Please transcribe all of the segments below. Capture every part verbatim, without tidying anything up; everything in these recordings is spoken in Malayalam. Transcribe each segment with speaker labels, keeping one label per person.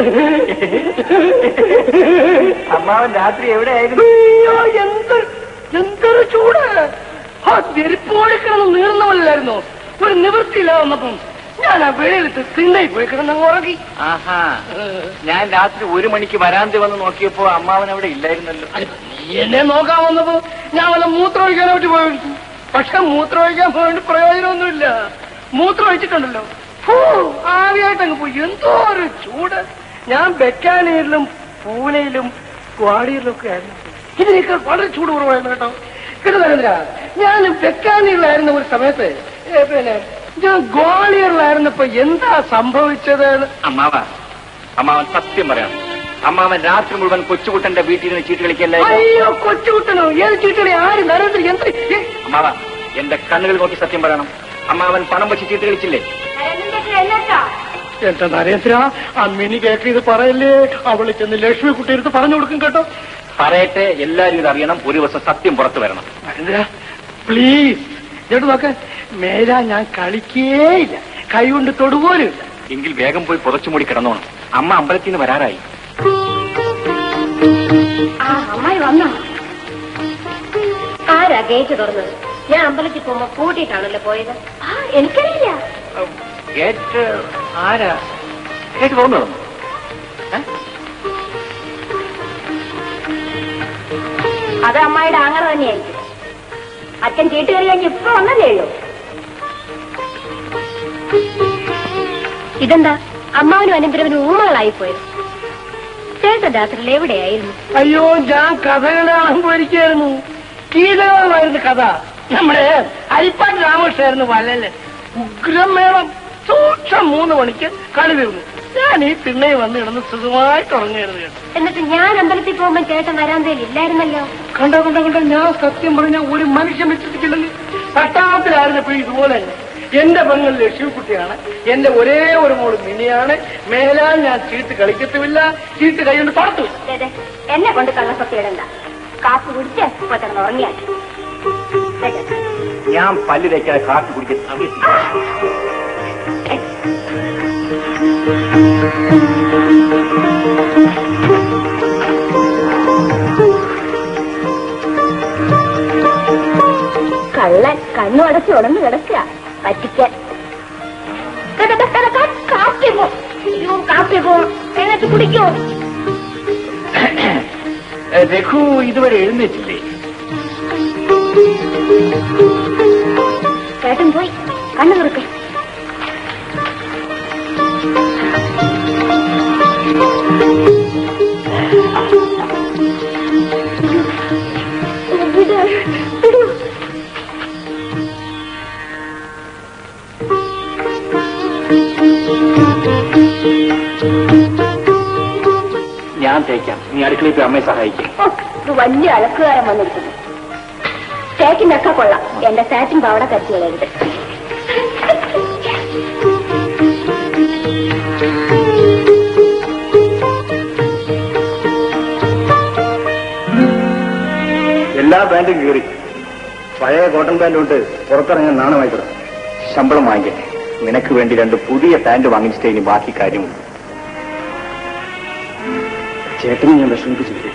Speaker 1: അമ്മാവൻ രാത്രി എവിടെയായിരുന്നു?
Speaker 2: എന്തൊരു എന്തൊരു ചൂട്! ആ തിരിപ്പോടിക്കിടന്ന് നീർന്നവല്ലായിരുന്നു. ഒരു നിവൃത്തിയില്ല വന്നപ്പം ഞാൻ ആ വെളിയിലത്ത് തിണ്ണയിൽ പോയി കിടന്നങ്ങ് ഉറങ്ങി.
Speaker 1: ആഹാ, ഞാൻ രാത്രി ഒരു മണിക്ക് വരാന്തി വന്ന് നോക്കിയപ്പോ അമ്മാവൻ അവിടെ ഇല്ലായിരുന്നല്ലോ.
Speaker 2: നീ എന്നെ നോക്കാൻ വന്നപ്പോ ഞാൻ വല്ല മൂത്രം ഒഴിക്കാനെ പറ്റി പോയി. പക്ഷെ മൂത്രം ഒഴിക്കാൻ പോയിട്ട് പ്രയോജനമൊന്നുമില്ല. മൂത്രം ഒഴിച്ചിട്ടുണ്ടല്ലോ, ആവിയായിട്ടങ്ങ് പോയി. എന്തോ ഒരു ചൂട്! ഞാൻ ബെക്കാനീരിലും പൂനെയിലും ഗ്വാളിയറിലും ഒക്കെ ആയിരുന്നു. ഇതിനേക്കാൾ വളരെ ചൂട് കുറവായിരുന്നു കേട്ടോ. കേട്ടോ നരേന്ദ്ര, ഞാൻ ബെക്കാനീരിലായിരുന്ന ഒരു സമയത്ത് പിന്നെ ഞാൻ ഗ്വാളിയറിലായിരുന്നപ്പോ എന്താ സംഭവിച്ചത്?
Speaker 1: അമ്മാവ, അമ്മാവൻ സത്യം പറയണം. അമ്മാവൻ രാത്രി മുഴുവൻ കൊച്ചുകുട്ടന്റെ വീട്ടിൽ നിന്ന് ചീട്ട് കളിക്കല്ലേ?
Speaker 2: അയ്യോ, കൊച്ചുകുട്ടനോ? ഏത് ചീട്ടുകളി? ആര്? നരേന്ദ്ര എന്ത്?
Speaker 1: അമ്മാവ, എന്റെ കണ്ണുകൾ നോക്കി സത്യം പറയണം. അമ്മാവൻ പണം വെച്ച് ചീട്ട് കളിച്ചില്ലേ?
Speaker 2: എന്താ നരേന്ദ്ര, അമ്മിനി കേക്ക് ഇത് പറയല്ലേ? അവള് ചെന്ന് ലക്ഷ്മി കുട്ടി എടുത്ത് പറഞ്ഞു കൊടുക്കും കേട്ടോ.
Speaker 1: പറയട്ടെ, എല്ലാരും ഇത് അറിയണം. ഒരു ദിവസം സത്യം പുറത്തു വരണം.
Speaker 2: നരേന്ദ്ര പ്ലീസ്, ചേട്ടു നോക്ക്, മേല ഞാൻ കളിക്കേയില്ല, കൈ കൊണ്ട് തൊടുപോലും.
Speaker 1: എങ്കിൽ വേഗം പോയി പുറച്ചുമൂടി കിടന്നോണം. അമ്മ അമ്പലത്തിൽ നിന്ന് വരാറായി.
Speaker 3: അമ്മായി വന്നോ? ആരാ ഗേറ്റ് തുറന്നത്? ഞാൻ അമ്പലത്തിൽ പോകുമ്പോ കൂട്ടിയിട്ടാണല്ലോ പോയത്. എനിക്കറിയില്ല.
Speaker 1: ഗേറ്റ് ആരാ? ഗേറ്റ് തുറന്നു കിടന്നു.
Speaker 3: അത് അമ്മായിയുടെ ആങ്ങറ തന്നെയായിരിക്കും. അച്ഛൻ ചീട്ട് കയറി കഴിഞ്ഞ് ഇപ്പൊ വന്നല്ലേ ഉള്ളൂ. ഇതെന്താ അമ്മാവനും അനന്തരവനും ഊമകളായി പോയത്? ചേട്ടൻ രാത്രിയിൽ എവിടെയായിരുന്നു?
Speaker 2: അയ്യോ, ഞാൻ കഥകൾ കാണാൻ പോയിരിക്കായിരുന്നു. കീലമായിരുന്നു കഥ. നമ്മുടെ അരിപ്പാട്ട് രാമകൃഷ്ണായിരുന്നു വലല്. ഉഗ്രം മേളം. സൂക്ഷം മൂന്ന് മണിക്ക് കളി തീർന്നു. ഞാൻ ഈ തിണ്ണയിൽ വന്ന് കിടന്ന് സുഖമായിട്ട് ഉറങ്ങായിരുന്നു കേട്ടോ.
Speaker 3: എന്നിട്ട് ഞാൻ അമ്പലത്തിൽ പോകുമ്പോൾ ചേട്ടൻ വരാന്തയിൽ ഇല്ലായിരുന്നല്ലോ.
Speaker 2: കണ്ടോ കണ്ടോ കണ്ടോ, ഞാൻ സത്യം പറഞ്ഞ ഒരു മനുഷ്യൻ വിശ്വസിക്കില്ലെങ്കിൽ പട്ടാളത്തിലായിരുന്നപ്പോഴും ഇതുപോലെ തന്നെ. എന്റെ പെങ്ങൾ ലക്ഷ്മിക്കുട്ടിയാണ്, എന്റെ ഒരേ ഒരു മോള് മിനിയാണ്. മേലാൽ ഞാൻ ചീട്ട് കളിക്കത്തുമില്ല, ചീട്ട് കൈകൊണ്ട് പുറത്തു.
Speaker 3: എന്നെ കൊണ്ട് കള്ളസത്യം ഇടണ്ട. കാപ്പ് കുടിച്ച് ഇപ്പൊ തന്നെ ഉറങ്ങിയാൽ
Speaker 1: ഞാൻ പല്ല് തേക്കാതെ കാപ്പി കുടിക്കാൻ.
Speaker 3: കള്ളൻ കണ്ണു അടച്ച് ഉടന്ന് കിടക്കുക പറ്റിക്കാൻ. കാപ്പി പോ, കാപ്പി പോ, എന്നിട്ട് കുടിക്കോ?
Speaker 1: രഘു ഇതുവരെ എഴുന്നേറ്റില്ലേ?
Speaker 3: ചേട്ടൻ പോയി കണ്ണു തുറക്കേ.
Speaker 1: ഞാൻ തേക്കാം, നീ അടുക്കളയിൽ പോയി അമ്മയെ സഹായിക്കും.
Speaker 3: ഇത് വലിയ അലക്കുകാരൻ വന്നിരിക്കുന്നു. ചേക്കിനൊക്കെ കൊള്ളാം, എന്റെ സാറ്റിൻ പാവട കത്തി കളയരുത്.
Speaker 1: എല്ലാ ബാൻഡും കീറി. പഴയ കോട്ടൺ പാൻറ് കൊണ്ട് പുറത്തിറങ്ങാൻ നാണമായി കിടക്കും. ശമ്പളം വാങ്ങിക്കട്ടെ. നിനക്ക് വേണ്ടി രണ്ട് പുതിയ പാൻറ് വാങ്ങിച്ചിട്ടേ ഇനി ബാക്കി കാര്യമുണ്ട്. ചേട്ടനെ ഞാൻ വിഷമിപ്പിച്ചില്ലേ?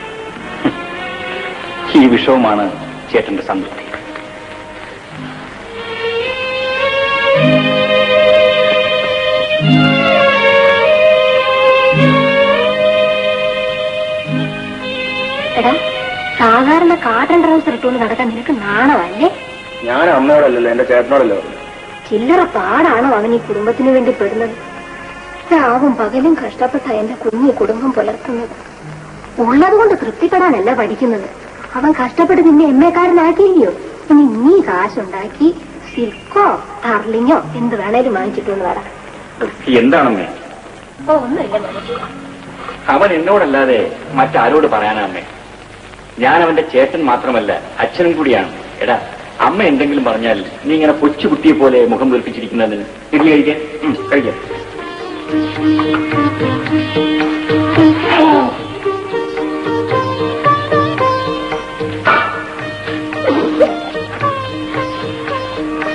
Speaker 1: ഈ വിഷവുമാണ് ചേട്ടന്റെ സംതൃപ്തി.
Speaker 3: എടാ, സാധാരണ കാട്ടൻ ട്രൗസർ ഇട്ടുകൊണ്ട് നടക്കാൻ നിനക്ക് നാണമല്ലേ?
Speaker 1: ഞാൻ അമ്മയോടല്ലോ, എന്റെ ചേട്ടനോടല്ലോ.
Speaker 3: ചില്ലറ പാടാണോ അവൻ ഈ കുടുംബത്തിന് വേണ്ടി പെടുന്നത്? രാവും പകലും കഷ്ടപ്പെട്ട എന്റെ കുഞ്ഞി കുടുംബം പുലർത്തുന്നത്. ഉള്ളതുകൊണ്ട് തൃപ്തിപ്പെടാനല്ല പഠിക്കുന്നത്. അവൻ കഷ്ടപ്പെട്ട് നിന്നെ എമ്മേക്കാരനാക്കിയില്ലയോ? ഇനി നീ കാശുണ്ടാക്കി സിൽക്കോ ടാർലിങ്ങോ എന്ത് വേണേലും വാങ്ങിച്ചിട്ടൊന്ന് വരാം.
Speaker 1: എന്താണമ്മേ?
Speaker 3: ഓ, ഒന്നുമില്ല മോനെ.
Speaker 1: അവൻ എന്നോടല്ലാതെ മറ്റാരോട് പറയാനമ്മേ? ഞാൻ അവന്റെ ചേട്ടൻ മാത്രമല്ല, അച്ഛനും കൂടിയാണ്. എടാ, അമ്മ എന്തെങ്കിലും പറഞ്ഞാൽ നീ ഇങ്ങനെ കൊച്ചുകുട്ടിയെ പോലെ മുഖം വീർപ്പിച്ചിരിക്കുന്നതിന് ഇഡ്ലി കഴിക്കാൻ കഴിക്കാം.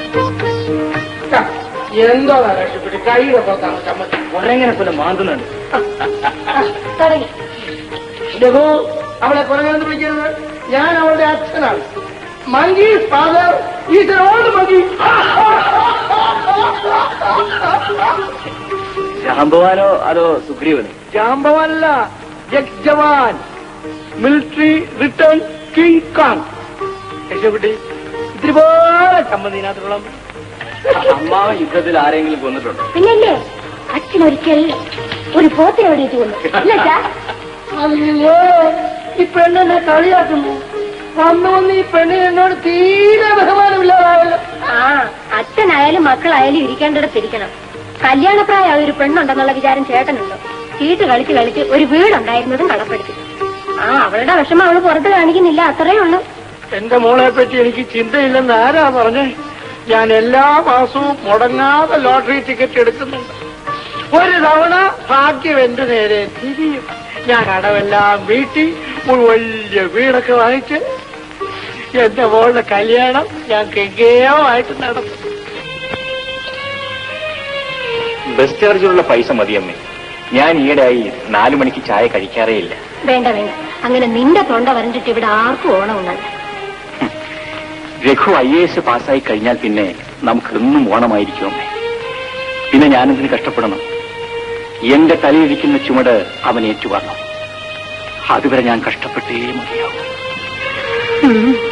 Speaker 2: എന്തോ രക്ഷപ്പെട്ട് കൈയുടെ പുറത്താണ് ചമ്മന്തി.
Speaker 1: ഒരെങ്ങനെ പോലെ മാന്തുന്നുണ്ട്.
Speaker 3: തുടങ്ങി.
Speaker 2: രഘു, അവളെ കുറഞ്ഞെന്ന് വിളിക്കരുത്. ഞാൻ അവളുടെ അച്ഛനാണ്. Monkey father is old monkey.
Speaker 1: ജാമ്പവാനോ അതോ സുഗ്രീവനോ?
Speaker 2: ജാമ്പവല്ല, ex jawan, military return King Kong. രക്ഷപ്പെട്ടി ഇത്തിരി പോലെ ചമ്മതിനകത്തുള്ള
Speaker 1: അമ്മാവൻ യുദ്ധത്തിൽ ആരെങ്കിലും കൊന്നിട്ടുണ്ടോ?
Speaker 3: പിന്നല്ലേ അച്ഛൻ ഒരിക്കൽ ഒരു പോത്തിനെ വെടിയിട്ട് കൊന്നു. ഇല്ല അച്ഛാ?
Speaker 2: അയ്യോ, ഈ പെണ്ണെന്നെ കളിയാക്കുന്നു. വന്നു വന്ന് ഈ പെണ്ണിന് എന്നോട് തീരെ ബഹുമാനമില്ലാതായല്ലോ.
Speaker 3: ആ അച്ഛനായാലും മക്കളായാലും ഇരിക്കേണ്ടിടത്തിരിക്കണം. കല്യാണപ്രായ ഒരു പെണ്ണുണ്ടെന്നുള്ള വിചാരം ചേട്ടനുണ്ടോ? ചീട്ട് കളിച്ച് കളിച്ച് ഒരു വീടുണ്ടായിരുന്നതും കടപ്പെടുത്തി. ആ അവളുടെ വിഷമം അവള് പുറത്ത് കാണിക്കുന്നില്ല, അത്രേ ഉള്ളൂ.
Speaker 2: എന്റെ മോളെ പറ്റി എനിക്ക് ചിന്തയില്ലെന്ന് ആരാ പറഞ്ഞേ? ഞാൻ എല്ലാ മാസവും മുടങ്ങാതെ ലോട്ടറി ടിക്കറ്റ് എടുക്കുന്നുണ്ട്. ഒരു തവണ ഭാഗ്യം എന്റെ നേരെ തിരിയും. ഞാൻ അടവെല്ലാം വീട്ടി ഒരു വലിയ വീടൊക്കെ വാങ്ങിച്ച് എന്റെ മോളുടെ കല്യാണം ഞാൻ കെങ്കേയമായിട്ട് നടത്തും.
Speaker 1: ബസ് ചാർജിലുള്ള പൈസ മതിയമ്മേ. ഞാൻ ഈയിടെയായി നാലു മണിക്ക് ചായ കഴിക്കാറേ ഇല്ല.
Speaker 3: വേണ്ട വേണ്ട, അങ്ങനെ നിന്റെ തൊണ്ട വരണ്ടിട്ട് ഇവിടെ ആർക്കും ഓണമുണ്ടല്ല.
Speaker 1: രഘു ഐ എ എസ് പാസ്സായി കഴിഞ്ഞാൽ പിന്നെ നമുക്കെന്നും ഓണമായിരിക്കും അമ്മേ. പിന്നെ ഞാനെന്തിന് കഷ്ടപ്പെടണം? എന്റെ തലയിരിക്കുന്ന ചുമട് അവൻ ഏറ്റുവാങ്ങണം. അതുവരെ ഞാൻ കഷ്ടപ്പെട്ടേ മതിയാവും.